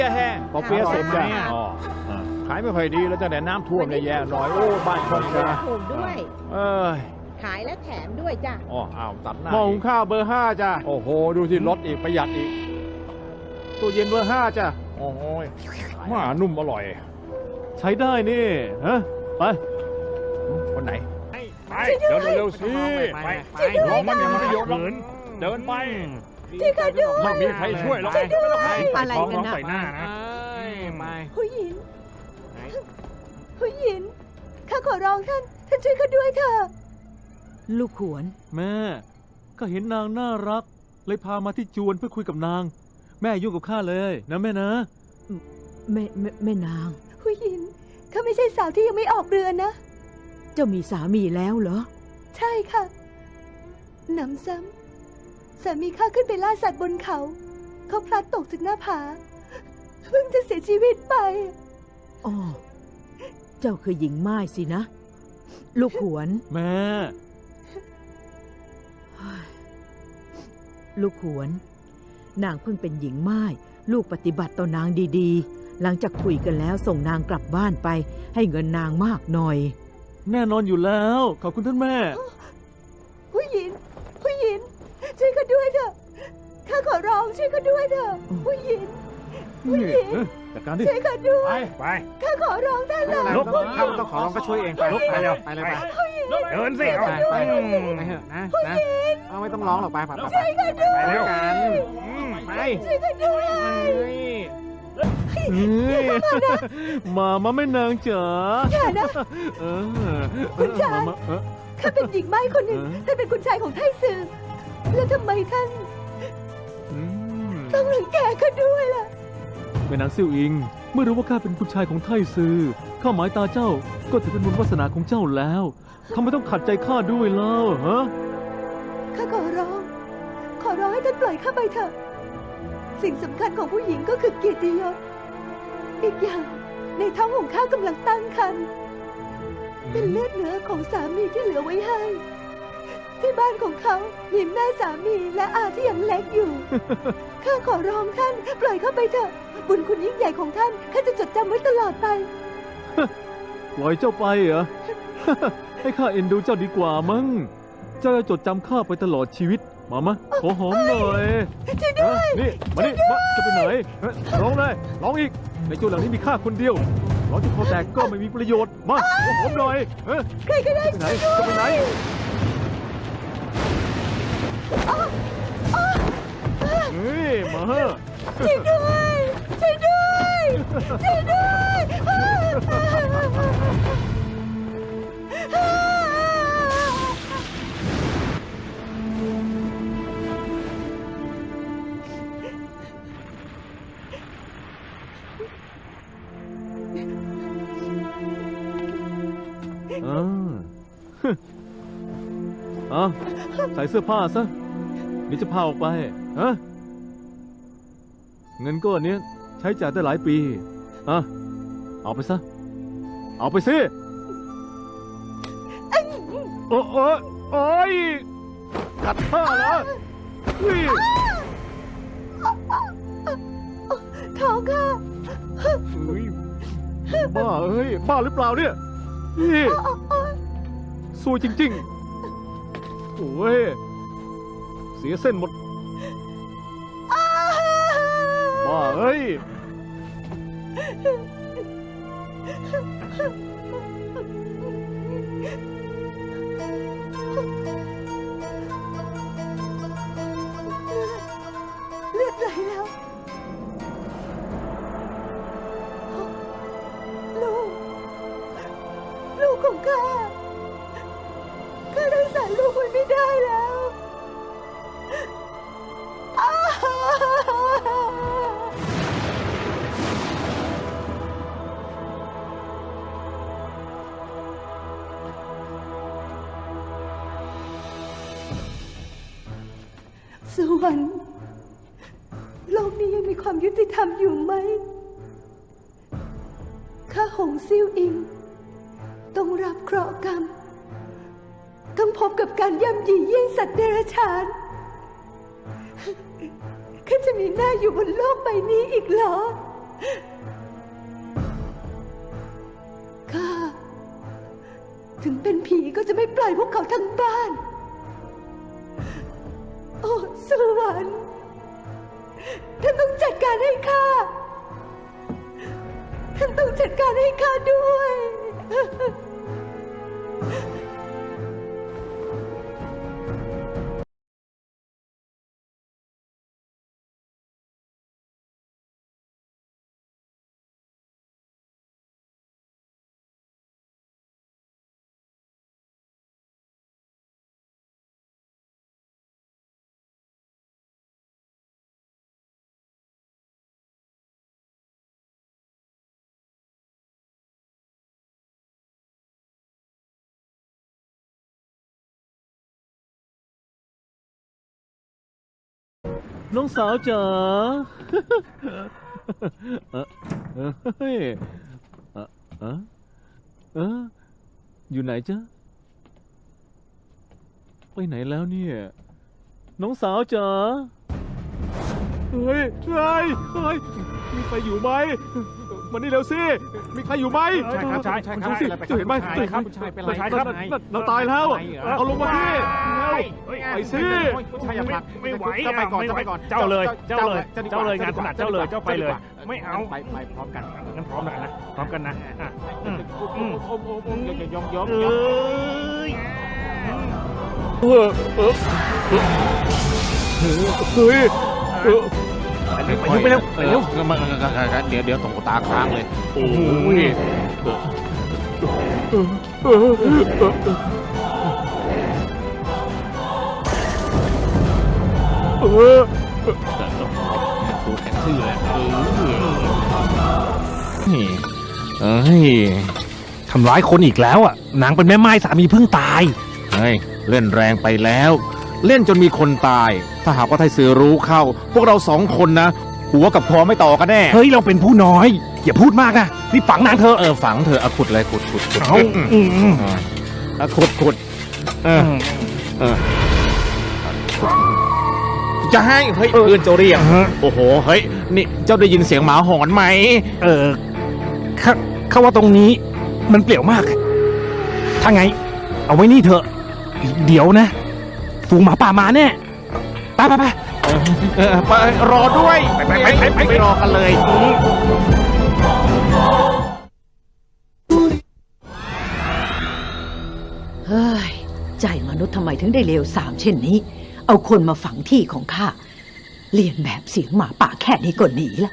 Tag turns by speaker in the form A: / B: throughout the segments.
A: แห้งปอเปี๊ยะเสร็จจ้ะขายไม่ค่อยดีแล้วตั้งแต่น้ำท่วมเลยแย่หน่อยโอ้บ้านช่องนะ
B: ถูกด้วย
A: เอ้ย
B: ขายและแถมด้วยจ้ะ
A: อ๋ออ้าวตัดหน้า
C: หม้อหุงข้าวเบอร์ 5จ้ะ
A: โอ้โหดูที่ลดอีกประหยัดอีก
C: ตู้เย็นเบอร์ 5จ้ะ
A: โอ้ยมานุ่มอร่อย
C: ใช้ได้นี่ฮะไป
A: คนไหน
D: ไปเดินเร็วๆสิไปร้องมันอย่างมันประโยชน์หรอกเดินไป
B: ช่วยข้าด้วย
D: ไม่มีใครช่วยหรอก
B: อะไรกันนะ
D: ใส่หน้านะ
B: ผู้หญิงผู้หญิงข้าขอร้องท่านช่วยข้าด้วยเถอะ
E: ลูกขวน
C: แม่ก็เห็นนางน่ารัก เลยพามาที่จวนเพื่อคุยกับนาง แม่ยุ่งกับข้าเลยนะแม่นะ
E: แม่นาง
B: ผู้หญิงข้าไม่ใช่สาวที่ยังไม่ออกเรือนนะ
E: เจ้ามีสามีแล้วเหรอ
B: ใช่ค่ะหนำซ้ำสามีข้าขึ้นไปล่าสัตว์บนเขาเขาพลัดตกจากหน้าผาเพิ่งจะเสียชีวิตไป
E: อ๋อ เจ้าคือหญิงม่ายสินะ ลูกขวน
C: แม่
E: ลูกขวน นางเพิ่งเป็นหญิงม่าย ลูกปฏิบัติต่อนางดีๆ หลังจากคุยกันแล้วส่งนางกลับบ้านไป ให้เงินนางมากหน่อย
C: แน่นอนอยู่แล้ว ขอบคุณท่านแม่
B: ผู้หญิงช่วยข้าด้วยเถอะข้าขอร้องช่วยข้าด้วยเถอะผู้หญิง
C: นี่จัดการดิ
B: ช่วยข้าด้วย
D: ไป
B: ข้าขอร้องท่านละ
D: ลุก
F: ถ้าต้องขอร้องก็ช่วยเองไป
D: ลุกไปเร็ว
F: ไปเลยไป
D: เดินสิ
F: ไปไปไปเถอะนะเอาไม่ต้องร้องหรอกไปไปไปไปเร็วกันไป
B: ช่วยข้าด้วย
C: มาไม่นางจ๋า
B: อย่านะ
C: เออ
B: คุณชาย
C: มา
B: ข้าเป็นหญิงไม้คนหนึ่งท่านเป็นคุณชายของไทซือแล้วทำไมท่าน
C: อืม
B: ต้องรังแกข้าด้วยล่ะ
C: แม่นางซิ่วอิง เมื่อรู้ว่าข้าเป็นคุณชายของไทซือข้าหมายตาเจ้าก็ถือเป็นบุญวาสนาของเจ้าแล้วทำไมต้องขัดใจข้าด้วยเล่าฮะ
B: ข้าขอร้องให้ท่านปล่อยข้าไปเถอะ สิ่งสำคัญของผู้หญิงก็คือเกียรติยศ อีกอย่างในท้องของข้ากำลังตั้งครรภ์เป็นเลือดเนื้อของสามีที่เหลือไว้ให้ ที่บ้านของเขามีแม่สามีและอาที่ยังเล็กอยู่ ข้าขอร้องท่านปล่อยข้าไปเถอะ บุญคุณยิ่งใหญ่ของท่านข้าจะจดจำไว้ตลอดไป
C: ปล่อยเจ้าไปเหรอ ให้ข้าเอ็นดูเจ้าดีกว่ามั้งเจ้าจะจดจำข้าไปตลอดชีวิตมาขอหอมหน่อย
B: ช่วยด้วย
C: นี่มาจะไปไหนร้องเลยร้องอีกในจวนหลังนี้มีข้าคนเดียวร้องจนคอแตกก็ไม่มีประโยชน์มาขอหอมหน่อย
B: ใครก็ได้
C: จะไปไหนจะไปไหน เฮ้ยมา
B: ช่วยด้วยช่วยด้วยช่วยด้วย
C: ใส่เสื้อผ้าซะเดี๋ยวจะพาออกไปฮะเงินก้อนนี้ใช้จ่ายได้หลายปีเอาไปซะเอาไปสิโอ้ยกัดผ้าเหรอเฮ้ย
B: ท้องค่ะ
C: บ้าบ้าหรือเปล่าเนี่ยนี่ซวยจริงๆโอ้ยเสียเส้นหมดบ้า
B: เลือดไหลแล้วลูกของข้ารักษาลูกไว้ไม่ได้แล้วสวรรค์โลกนี้ยังมีความยุติธรรมอยู่ไหมข้าหงซิ่วอิงต้องรับเคราะห์กรรมต้องพบกับการย่ำยีเยี่ยงสัตว์เดรัจฉานข้าจะมีหน้าอยู่บนโลกใบนี้อีกเหรอถึงเป็นผีก็จะไม่ปล่อยพวกเขาทั้งบ้าน โอ้สวรรค์ท่านต้องจัดการให้ข้าท่านต้องจัดการให้ข้าด้วย
C: น้องสาวจ๋า เฮ้ยอยู่ไหนจ๊ะ ไปไหนแล้วเนี่ย น้องสาวจ๋า เฮ้ยมีใครอยู่ไหมมานี่เร็วสิ มีใครอยู่ไหม
F: ใช่ครับใช่ครับ
C: ดูสิจะเห็นไหม
F: ครับใช่เป็นไรครับ
C: เราตายแล้ว เอาลงมาสิไปสิ
F: ใช่อย่าผลัก
D: ไม่ไหว
F: เจ้าไปก่อนเจ้าไปก่อน
D: เจ้าเลยงานถนัดเจ้าเลยเจ้าไปเลย ไม่เอา
F: ไปพร้อมกัน
D: งั้นพร้อมกันนะพร้อมกันนะอ่ะ
F: ยก
D: เอ้ย
C: เฮ้ย
F: ไปเร็ว
A: เดี๋ยวตรงตาค้างเลย
C: โอ้ย
A: ดูแข็งทื่อเลย
D: ทำร้ายคนอีกแล้วอ่ะนางเป็นแม่ไม้สามีเพิ่งตาย
A: เฮ้ยเล่นแรงไปแล้ว เล่นจนมีคนตาย ถ้าหากว่าไทยสือรู้เข้า พวกเรา2 คนนะ หัวกับคอไม่ต่อกันแน่
D: เฮ้ยเราเป็นผู้น้อย อย่าพูดมากนะรีบฝังนางเธอ
A: ฝังเธอเอาขุดเลยขุด
D: เอาอืม
A: ขุดจะให้เฮ้ยเพื่อนเจ้าเรียกโอ้โหเฮ้ยนี่เจ้าได้ยินเสียงหมาหอนไหม
D: ข้าว่าตรงนี้มันเปลี่ยวมาก ถ้าไง เอาไว้นี่เถอะเดี๋ยวนะฝูงหมาป่ามาแน่ไป
A: ไปรอด้วย
D: ไปรอกันเลย
E: เฮ้ย ใจมนุษย์ทำไมถึงได้เลวทรามเช่นนี้ เอาคนมาฝังที่ของข้า เรียนแบบเสียงหมาป่าแค่นี้ก็หนีละ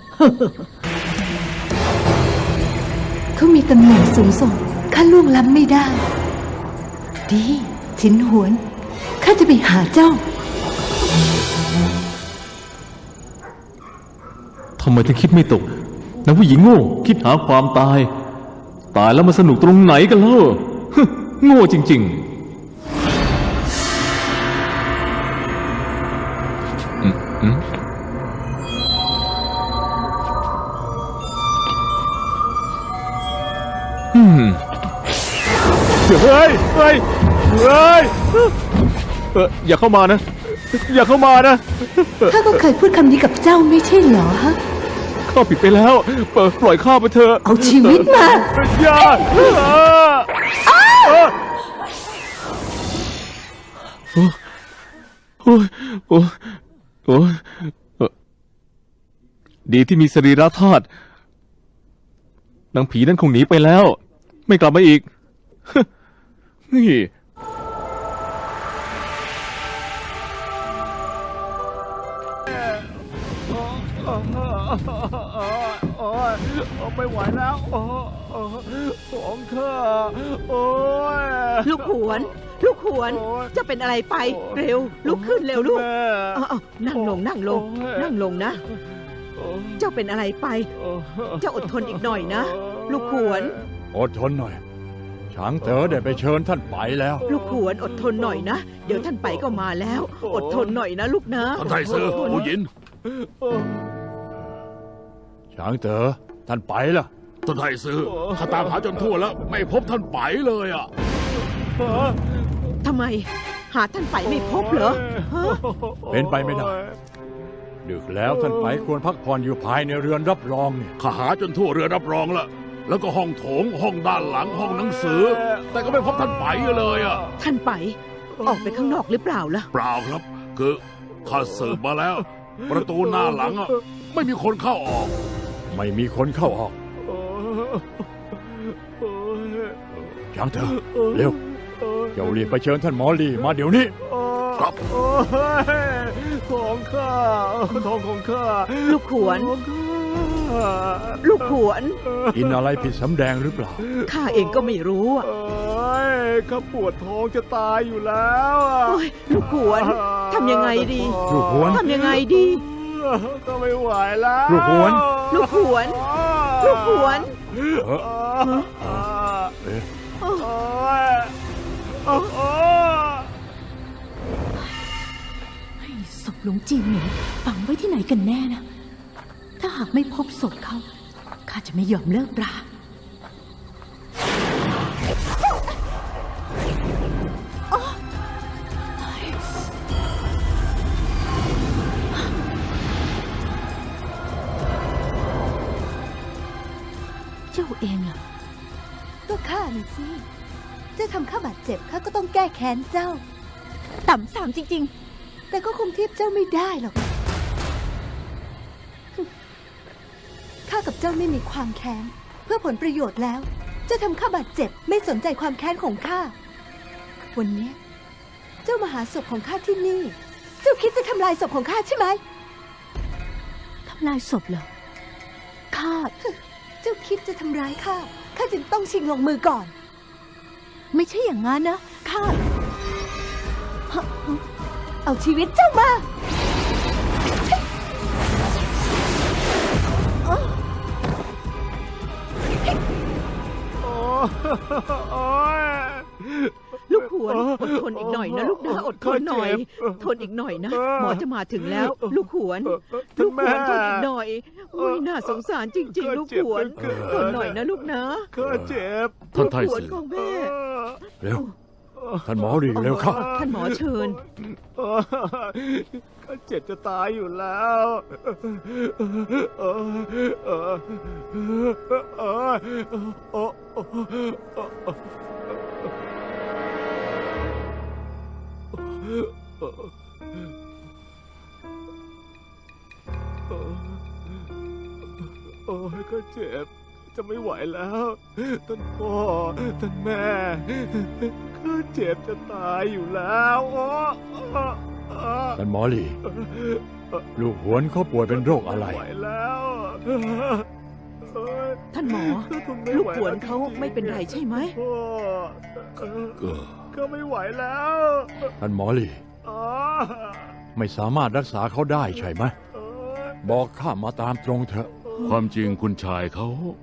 B: เขามีตำแหน่งสูงส่งข้าล่วงล้ำไม่ได้ ดีฉินหวนข้าจะไปหาเจ้า
C: ทำไมถึงคิดไม่ตกนางผู้หญิงโง่คิดหาความตาย ตายแล้วมาสนุกตรงไหนกันเล่า โง่จริงๆเฮ้ยอย่าเข้ามานะ อย่าเข้ามานะ
B: ข้าก็เคยพูดคำนี้กับเจ้าไม่ใช่เหรอฮะ
C: ข้าผิดไปแล้วปล่อยข้าไปเถอะ
B: เอาชีวิตมา
C: อย่าดีที่มีสรีระธาตุนางผีนั่นคงหนีไปแล้ว ไม่กลับมาอีกนี่
A: ไม่ไหวแล้วของเธอโอ้ย
E: ลูกขวนจะเป็นอะไรไป เร็ว ลุกขึ้นเร็วลูกเอานั่งลงนะ เจ้าเป็นอะไรไป เจ้าอดทนอีกหน่อยนะ ลูกขวน
A: อดทนหน่อยช้างเต๋อได้ไปเชิญท่านไปแล้ว
E: ลูกขวนอดทนหน่อยนะ เดี๋ยวท่านไปก็มาแล้ว อดทนหน่อยนะลูกนะ
D: ท่านไทซื้อผู้หญิง
A: ช้างเต๋อท่านไปล่ะ
D: ท่านไทซื้อข้าตามหาจนทั่วแล้ว ไม่พบท่านไปเลยอ่ะ
E: ทำไม หาท่านไปไม่พบเหรอฮะ
A: เป็นไปไม่ได้ดึกแล้วท่านไปควรพักผ่อนอยู่ภายในเรือนรับรองเนี่ย
D: ข้าหาจนทั่วเรือรับรองละ
G: แล้วก็ห้องโถงห้องด้านหลังห้องหนังสือ แต่ก็ไม่พบท่านไปเลยอ่ะ
E: ท่านไป ออกไปข้างนอกหรือเปล่าล่ะ
G: เปล่าครับ คือข้าสืบมาแล้ว ประตูหน้าหลังอ่ะไม่มีคนเข้าออก
H: ไม่มีคนเข้าออกยังเถอะเร็วเจ้ารีบไปเชิญท่านหมอลีมาเดี๋ยวนี้
G: ครับ
C: โอ้ยของข้าทองของข้า
E: ลูกขวน
C: ของข้า
E: ลูกขวน
H: กินอะไรผิดสำแดงหรือเปล่า
E: ข้าเองก็ไม่รู้อะ
C: โอ้ยข้าปวดท้องจะตายอยู่แล้วอะ
E: โอ้ยลูกขวนทำยังไงดี
H: ลูกขวน
E: ทำยังไงดี
C: ก็ไม่ไหวแล้ว
H: ลูกขวน
E: ลูกขวน ลูกขวน
H: เออเอ๊ะ
C: โอ้ยโอ้ย
I: ศพหลวงจีเหมิงฝังไว้ที่ไหนกันแน่นะ ถ้าหากไม่พบศพเขาข้าจะไม่ยอมเลิกราอ๊ะเจ้าเองเหรอ
B: ก็ข้าน่ะสิเจ้าทำข้าบาดเจ็บข้าก็ต้องแก้แค้นเจ้า
I: ต่ำสามจริง
B: แต่ก็คงเทียบเจ้าไม่ได้หรอก ข้ากับเจ้าไม่มีความแค้นเพื่อผลประโยชน์แล้ว เจ้าทำข้าบาดเจ็บไม่สนใจความแค้นของข้า วันนี้เจ้ามาหาศพของข้าที่นี่ เจ้าคิดจะทำลายศพของข้าใช่ไหม
I: ๆ ทำลายศพเหรอ ข้า
B: เจ้าคิดจะทำร้ายข้า ข้าจึงต้องชิงลงมือก่อน
I: ไม่ใช่อย่างนั้นนะ ข้า
B: เอาชีวิตเจ้ามา
C: โอ้ย
E: ลูกขวนอดทนอีกหน่อยนะลูกนะอดทนหน่อย ทนอีกหน่อยนะ หมอจะมาถึงแล้ว ลูกขวน ลูกขวนทนอีกหน่อยอุ้ยน่าสงสารจริง ๆ ลูกขวนทนหน่อยนะลูกนะ
C: ข้าเจ็บ
G: ท่านไท
E: ลูกขวน
G: สือ
E: ของแม่
H: เร็ว ท่านหมอลีเร็วเข้า
E: ท่านหมอเชิญ
C: ข้าเจ็บจะตายอยู่แล้วโอ้ยข้าเจ็บจะไม่ไหวแล้วท่านพ่อท่านแม่ข้าเจ็บจะตายอยู่แล้วโอ้
H: ท่านหมอลีลูกหวนเขาป่วยเป็นโรคอะไร
C: ม่ไหวแล้วเอ้ย
E: ท่านหมอ
C: ทนไม่
E: ลูก
C: ไห
E: ขวนเขาไม่เป็นไรใช่ไหม
C: พ่อ
G: เออ
C: ก็ไม่ไหวแล้ว
H: ท่านหมอลี
C: อ๋อ
H: ไม่สามารถรักษาเขาได้ใช่ไหม
C: เอ้ย
H: บอกข้ามาตามตรงเถอะ
G: ความจริงคุณชายเขา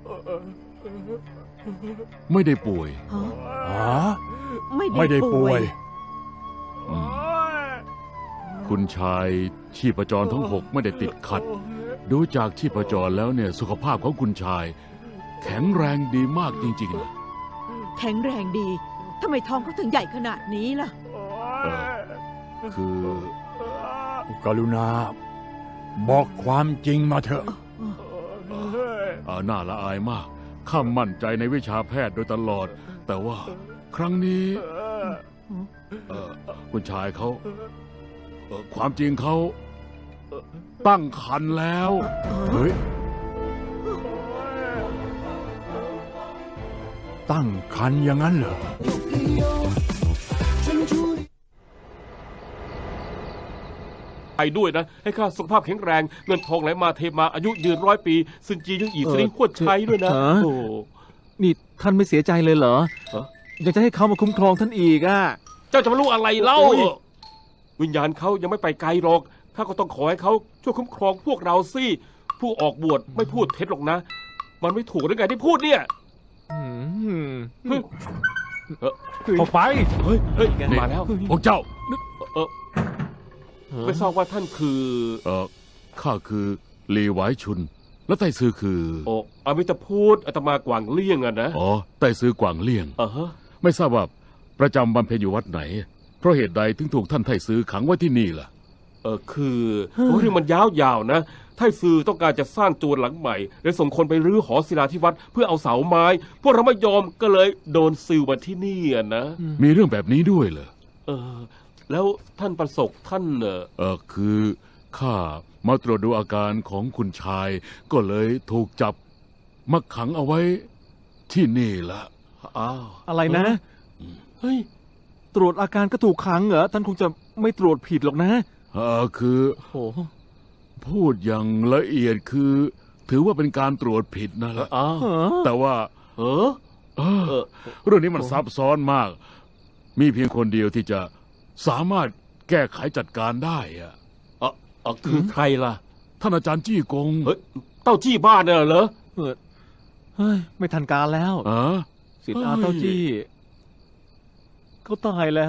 G: ไม่ได้ป่วย
E: ฮะ
H: ฮะ
E: ไม่
H: ไม่ได้
E: ได้
H: ป่
E: ป่
H: ว
E: วย ย
C: โอ้ย
G: คุณชายชีพจรทั้ง 6 ไม่ได้ติดขัด ดูจากชีพจรแล้วเนี่ยสุขภาพของคุณชาย แข็งแรงดีมากจริงๆนะ
E: แข็งแรงดีทำไมท้องเขาถึงใหญ่ขนาดนี้ล่ะ
C: โอ้
G: เอย คือ
H: กรุณา บอกความจริงมาเถอะ
G: น่าละอายมาก ข้ามั่นใจในวิชาแพทย์โดยตลอด แต่ว่าครั้งนี้คุณชายเขาความจริงเขาตั้งครรภ์แล้ว
H: เฮ้ย ตั้งคันอย่างนั้นเหรอ
J: ไปด้วยนะ ให้ข้าสุขภาพแข็งแรง เงินทองไหลมาเทมาอายุยืน100 ปีซึ่งจียังอีกสิริควรใช้ด้วยนะ
C: ฮะ
J: โอ้
C: นี่ท่านไม่เสียใจเลยเหรอ
J: ฮะ
C: ยังจะให้เขามาคุ้มครองท่านอีกอ่ะ
J: เจ้าจะมารู้อะไรเล่า
C: โอ้ย
J: วิญญาณเขายังไม่ไปไกลหรอกข้าก็ต้องขอให้เขาช่วยคุ้มครองพวกเราสิผู้ออกบวชไม่พูดเท็จหรอกนะ มันไม่ถูกหรือไงที่พูดเนี่ย
C: อืม
H: เข้าไป
J: เฮ้ยมาแล้ว
G: พวกเจ้า
J: เออไม่ทราบว่าท่านคือ
G: ข้าคือหลีหวายชุน และไต้ซือคือ
J: โอ้อมิตรพูดอาตมากวางเลี่ยงอะนะ
G: อ๋อ ไต้ซือกวางเลี่ยง
J: ฮะ
G: ไม่ทราบว่าประจำบำเพ็ญอยู่วัดไหน เพราะเหตุใดถึงถูกท่านไต้ซือขังไว้ที่นี่ล่ะ
J: คือเรื่องมันยาวๆนะไทซื่อต้องการจะสร้างตัวหลังใหม่เลยส่งคนไปรื้อหอศิลาที่วัดเพื่อเอาเสาไม้พวกเราไม่ยอมก็เลยโดนซิลมาที่นี่นะ
G: มีเรื่องแบบนี้ด้วยเหรอ
J: แล้วท่านประสบท่าน
G: คือข้ามาตรวจดูอาการของคุณชาย ก็เลยถูกจับมาขังเอาไว้ที่นี่ละ
J: อ้าว
C: อะไรนะ
J: เฮ้ย
C: ตรวจอาการก็ถูกขังเหรอ ท่านคงจะไม่ตรวจผิดหรอกนะ
G: คือ
C: โอ้
G: พูดอย่างละเอียดคือ ถือว่าเป็นการตรวจผิดนะละ แต่ว่าเรื่องนี้มันซับซ้อนมาก มีเพียงคนเดียวที่จะสามารถแก้ไขจัดการได้อะ
J: คือใครล่ะ
G: ท่านอาจารย์จี้กง
J: เฮ้ยเต้าจี้บ้านเนี่ยเหรอ
C: เฮ้ย ไม่ทันการแล้ว สิทธิ์อาเต้าจี้เขาตายแล้ว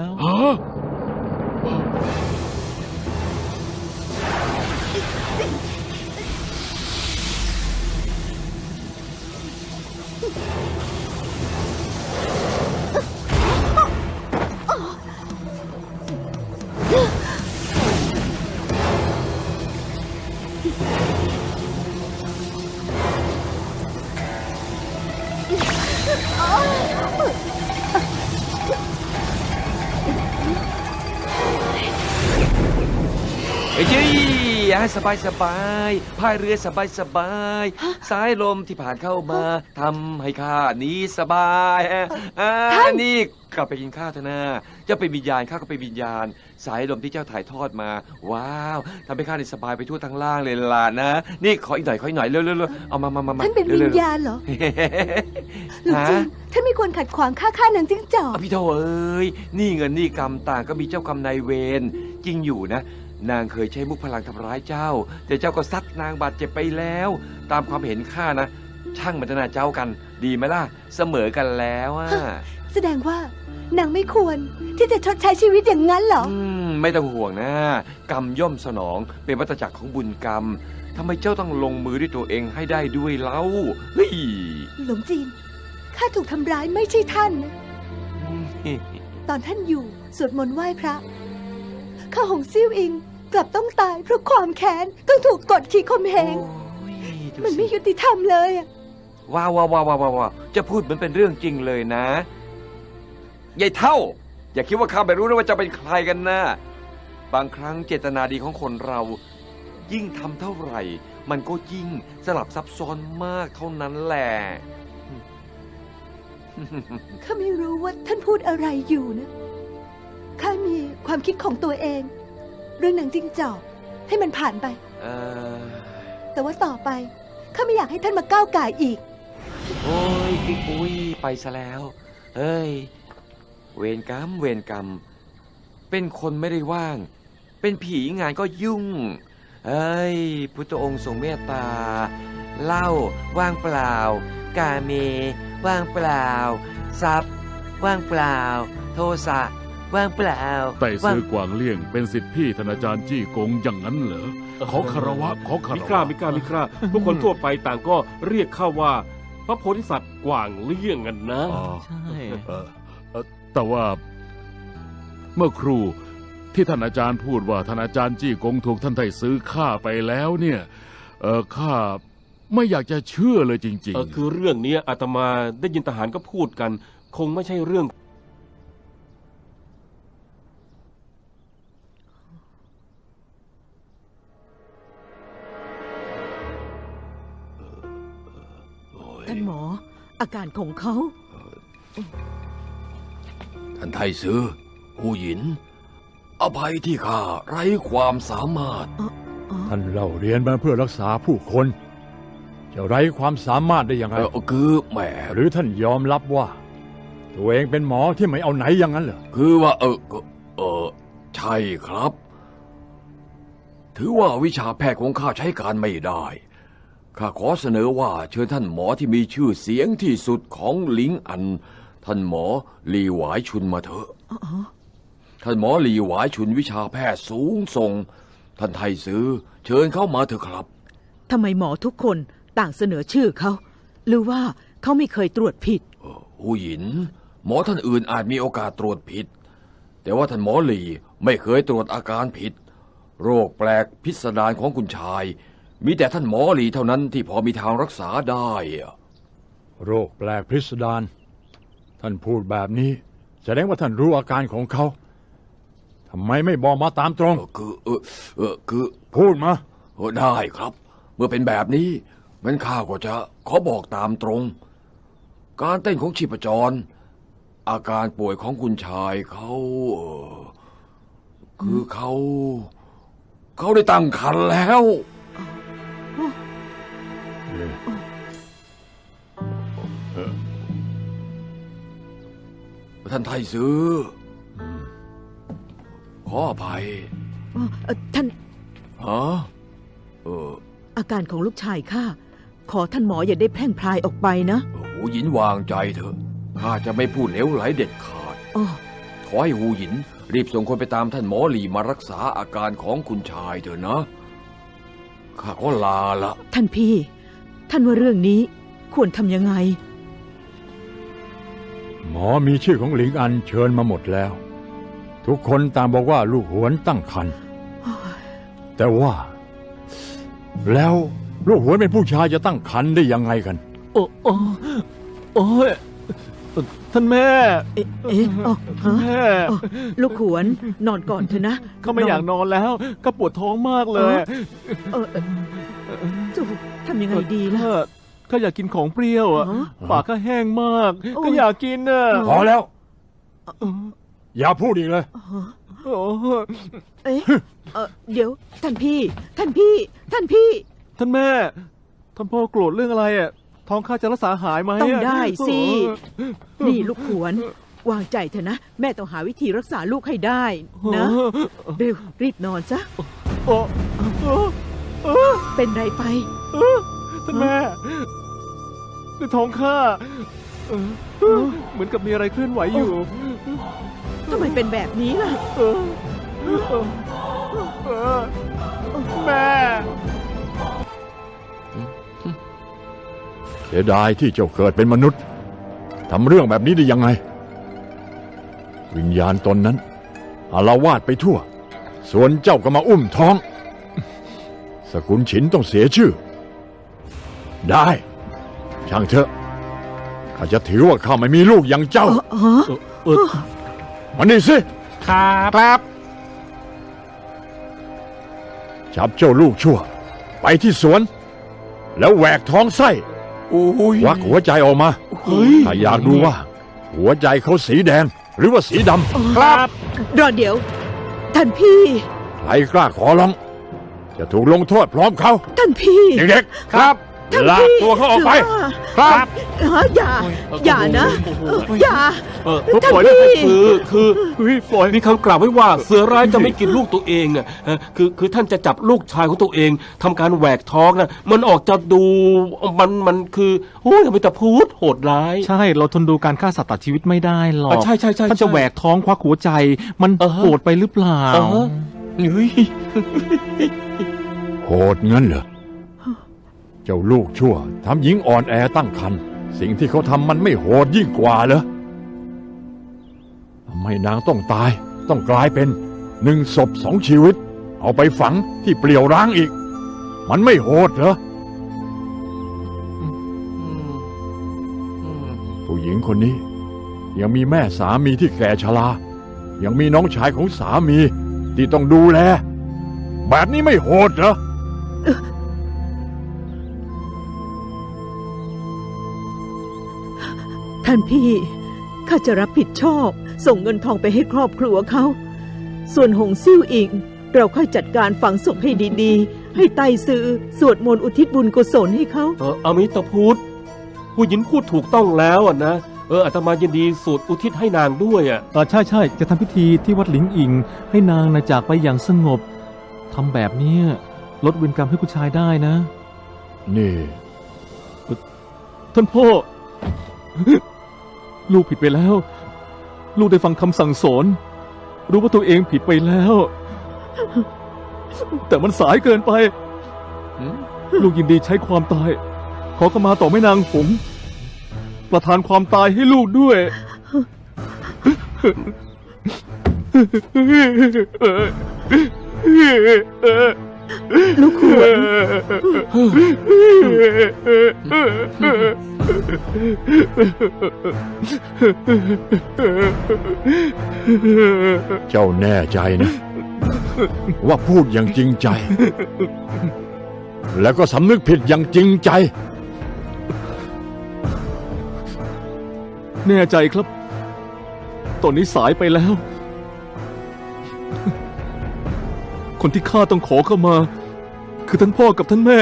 K: ให้สบายพายเรือสบายสายลมที่ผ่านเข้ามาทำให้ข้านี้สบายนี่กลับไปกินข้าวเถอะนะเจ้าเป็นวิญญาณข้าก็เป็นวิญญาณสายลมที่เจ้าถ่ายทอดมาว้าวทำให้ข้านี่สบายไปทั่วทั้งล่างเลยล่ะนะนี่ขออีกหน่อยเร็วๆเอามา
B: ท่านเป็นวิญญาณเหรอหรือจริงท่านไม่ควรขัดขวางข้านางจิ้งจอก
K: พี่โธ่เอ้ยนี่เงินนี่กรรมต่างก็มีเจ้ากรรมนายเวรจริงอยู่นะนางเคยใช้มุกพลังทำร้ายเจ้าแต่เจ้าก็ซัดนางบาดเจ็บไปแล้วตามความเห็นข้านะช่างมันจะน่าเจ้ากันดีไหมล่ะเสมอกันแล้ว
B: แสดงว่านางไม่ควรที่จะชดใช้ชีวิตอย่างนั้นเหรอ
K: ไม่ต้องห่วงนะกรรมย่อมสนองเป็นวัฏจักรของบุญกรรมทำไมเจ้าต้องลงมือด้วยตัวเองให้ได้ด้วยเล่าเฮ้ย
B: หลงจีนข้าถูกทำร้ายไม่ใช่ท่านนะตอนท่านอยู่สวดมนต์ไหว้พระข้าหงซิ่วอิงกลับต้องตายเพราะความแค้นต้องถูกกดขี่ข่มเหงมันไม่ยุติธรรมเลย
K: ว้าวจะพูดเหมือนเป็นเรื่องจริงเลยนะยายเท่าอย่าคิดว่าข้าไม่รู้นะว่าจะเป็นใครกันนะบางครั้งเจตนาดีของคนเรายิ่งทำเท่าไหร่มันก็ยิ่งสลับซับซ้อนมากเท่านั้นแหละ
B: ข้าไม่รู้ว่าท่านพูดอะไรอยู่นะข้ามีความคิดของตัวเองเรื่องหนังจิ้งจอกให้มันผ่านไปแต่ว่าต่อไปข้าไม่อยากให้ท่านมาก้าวก่ายอีก
K: โอ้ยไปซะแล้วเฮ้ยเวรกรรมเป็นคนไม่ได้ว่างเป็นผีงานก็ยุ่งเฮ้ยพุทธองค์ทรงเมตตาเหล้าว่างเปล่ากาเมว่างเปล่าทรัพย์ว่างเปล่าโทสะว่างเปล่า
G: ไต่ซื้อกวางเลี่ยงเป็นศิษย์พี่ท่านอาจารย์จี้กงอย่างนั้นเหรอขอคารวะ
J: มิกล้าพวกคนทั่วไปต่างก็เรียกข้าว่าพระโพธิสัตว์กวางเลี่ยงกันนะ
C: ใช่
G: แต่ว่าเมื่อครูที่ท่านอาจารย์พูดว่าท่านอาจารย์จี้กงถูกท่านไต่ซื้อฆ่าไปแล้วเนี่ยข้าไม่อยากจะเชื่อเลยจริง
J: ๆคือเรื่องนี้อาตมาได้ยินทหารก็พูดกันคงไม่ใช่เรื่อง
E: ท่านหมออาการของเขา
H: ท่านไทซื่อหูหยินอภัยที่ข้าไร้ความสามารถท่านเล่าเรียนมาเพื่อรักษาผู้คนจะไร้ความสามารถได้อย่างไรคือแหมหรือท่านยอมรับว่าตัวเองเป็นหมอที่ไม่เอาไหนอย่างนั้นเหรอคือว่าใช่ครับถือว่าวิชาแพทย์ของข้าใช้การไม่ได้ข้าขอเสนอว่าเชิญท่านหมอที่มีชื่อเสียงที่สุดของหลิงอันท่านหมอหลี่หวายชุนมาเถอะท่านหมอหลี่หวายชุนวิชาแพทย์สูงส่งท่านไทซื่อเชิญเข้ามาเถอะครับ
E: ทำไมหมอทุกคนต่างเสนอชื่อเขาหรือว่าเขาไม่เคยตรวจผิด
H: หูหยินหมอท่านอื่นอาจมีโอกาสตรวจผิดแต่ว่าท่านหมอหลี่ไม่เคยตรวจอาการผิดโรคแปลกพิสดารของคุณชาย มีแต่ท่านหมอหลีเท่านั้นที่พอมีทางรักษาได้อะโรคแปลกพิสดารท่านพูดแบบนี้แสดงว่าท่านรู้อาการของเขาทำไมไม่บอกมาตามตรงคือพูดมาได้ครับ เมื่อเป็นแบบนี้งั้นข้าก็จะขอบอกตามตรง การเต้นของชีพจร อาการป่วยของคุณชายเขาคือเขาได้ตั้งครรภ์แล้วท่านไทซื้อขออภัย
E: ท่าน
H: ฮะ
E: อาการของลูกชายข้าขอท่านหมออย่าได้แพร่งพรายออกไปนะ
H: หูหยินวางใจเถอะข้าจะไม่พูดเหลวไหลเด็ดขาด
E: อ๋อ
H: ขอให้หูหยินรีบส่งคนไปตามท่านหมอหลีมารักษาอาการของคุณชายเถอะนะข้าขอลาละ
E: ท่านพี่ ท่านว่าเรื่องนี้ควรทำยังไง
H: หมอมีชื่อของหลิงอันเชิญมาหมดแล้ว ทุกคนต่างบอกว่าลูกหวนตั้งครรภ์แต่ว่า แล้วลูกหวนเป็นผู้ชายจะตั้งครรภ์ได้ยังไงกัน
C: โอ้ยท่านแม่
E: แม่ลูกขวนนอนก่อนเถอะนะ
C: เขาไม่อยากนอนแล้ว ก็ปวดท้องมากเลย
E: จะทำยังไงดีล่ะ
C: ก็อยากกินของเปรี้ยวอ่ะปากก็แห้งมาก ก็อยากกินน่ะ
H: พอแล้ว อย่าพูดอีกเลย
E: เดี๋ยวท่านพี่
C: ท่านแม่ท่านพ่อโกรธเรื่องอะไรอ่ะท้องข้าจะรักษาหายไหม
E: ต้องได้สิ นี่ลูกขวนวางใจเถอะนะ แม่ต้องหาวิธีรักษาลูกให้ได้นะเร็วรีบนอนซะเป็นไรไป
C: ท่านแม่ในท้องข้าเหมือนกับมีอะไรเคลื่อนไหวอยู่
E: ทำไมเป็นแบบนี้ล่ะ
C: แม่
H: เสียดายที่เจ้าเกิดเป็นมนุษย์ทำเรื่องแบบนี้ได้ยังไง วิญญาณตนนั้นอาละวาดไปทั่ว ส่วนเจ้าก็มาอุ้มท้อง สกุลฉินต้องเสียชื่อ ได้ช่างเถอะข้าจะถือว่าข้าไม่มีลูกอย่างเจ้ามานี่สิ
F: ครับ
H: จับเจ้าลูกชั่ว ไปที่สวน แล้วแหวกท้องไส้ควักหัวใจออกมาถ้าอยากดูว่า หัวใจเขาสีแดงหรือว่าสีดำ
F: ครับ
E: รอเดี๋ยว ท่านพี่
H: ใครกล้าขอร้อง จะถูกลงโทษพร้อมเขา
E: ท่านพี่
H: เด็กๆครับลากตัวเขาออกไป
F: ครับ
E: อย่านะ อย่า
J: ปล่อยได้ไทซื้อคือปล่อยมีคำกล่าวไว้ว่าเสือร้ายจะไม่กินลูกตัวเองอ่ะคือท่านจะจับลูกชายของตัวเองทำการแหวกท้องนะมันออกจะดูมันคือโอ้ยไม่ตะพูดโหดร้าย
A: ใช่เราทนดูการฆ่าสัตว์ตัดชีวิตไม่ได้หรอก
J: ใช่
A: ท่านจะแหวกท้องควักหัวใจ มันโหดไปหรือเปล่า
H: โหดงั้นเหรอเจ้าลูกชั่วทำหญิงอ่อนแอตั้งครรภ์สิ่งที่เขาทำมันไม่โหดยิ่งกว่าเหรอทำไมนางต้องตายต้องกลายเป็น1 ศพ 2 ชีวิต เอาไปฝังที่เปลี่ยวร้างอีก มันไม่โหดเหรอผู้หญิงคนนี้ยังมีแม่สามีที่แก่ชรายังมีน้องชายของสามีที่ต้องดูแลแบบนี้ไม่โหดเหรอ
E: ท่านพี่ ข้าจะรับผิดชอบ ส่งเงินทองไปให้ครอบครัวเขา ส่วนหงซิ่วอิง เราค่อยจัดการฝังศพให้ดีๆ ให้ไต้ซือสวดมนต์อุทิศบุญกุศลให้เขา
J: อมิตรพุทธผู้หญิงพูดถูกต้องแล้วอ่ะนะอาตมายินดีสวดอุทิศให้นางด้วยอ่ะ
C: ใช่จะทำพิธีที่วัดหลิงอิง ให้นางนะจากไปอย่างสงบทำแบบนี้ลดเวรกรรมให้คุณชายได้นะ
H: นี่
C: ท่านพ่อ ลูกผิดไปแล้ว ลูกได้ฟังคำสั่งสอน รู้ว่าตัวเองผิดไปแล้ว แต่มันสายเกินไป ลูกยินดีใช้ความตาย ขอขมาต่อแม่นางหงส์ประทานความตายให้ลูกด้วย
H: พ
E: ลูกขวน
H: เจ้าแน่ใจนะ ว่าพูดอย่างจริงใจ แล้วก็สำนึกผิดอย่างจริงใจ
C: แน่ใจครับ ตอนนี้สายไปแล้ว คนที่ข้าต้องขอเข้ามา คือท่านพ่อกับท่านแม่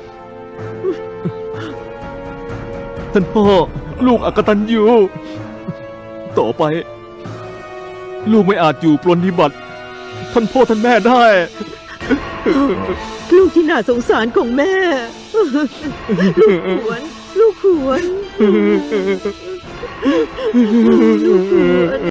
C: ท่านพ่อลูกอกตัญญูต่อไป ลูกไม่อาจอยู่ปรนนิบัติ ท่านพ่อท่านแม่ได้
E: ลูกที่น่าสงสารของแม่ ลูกขวน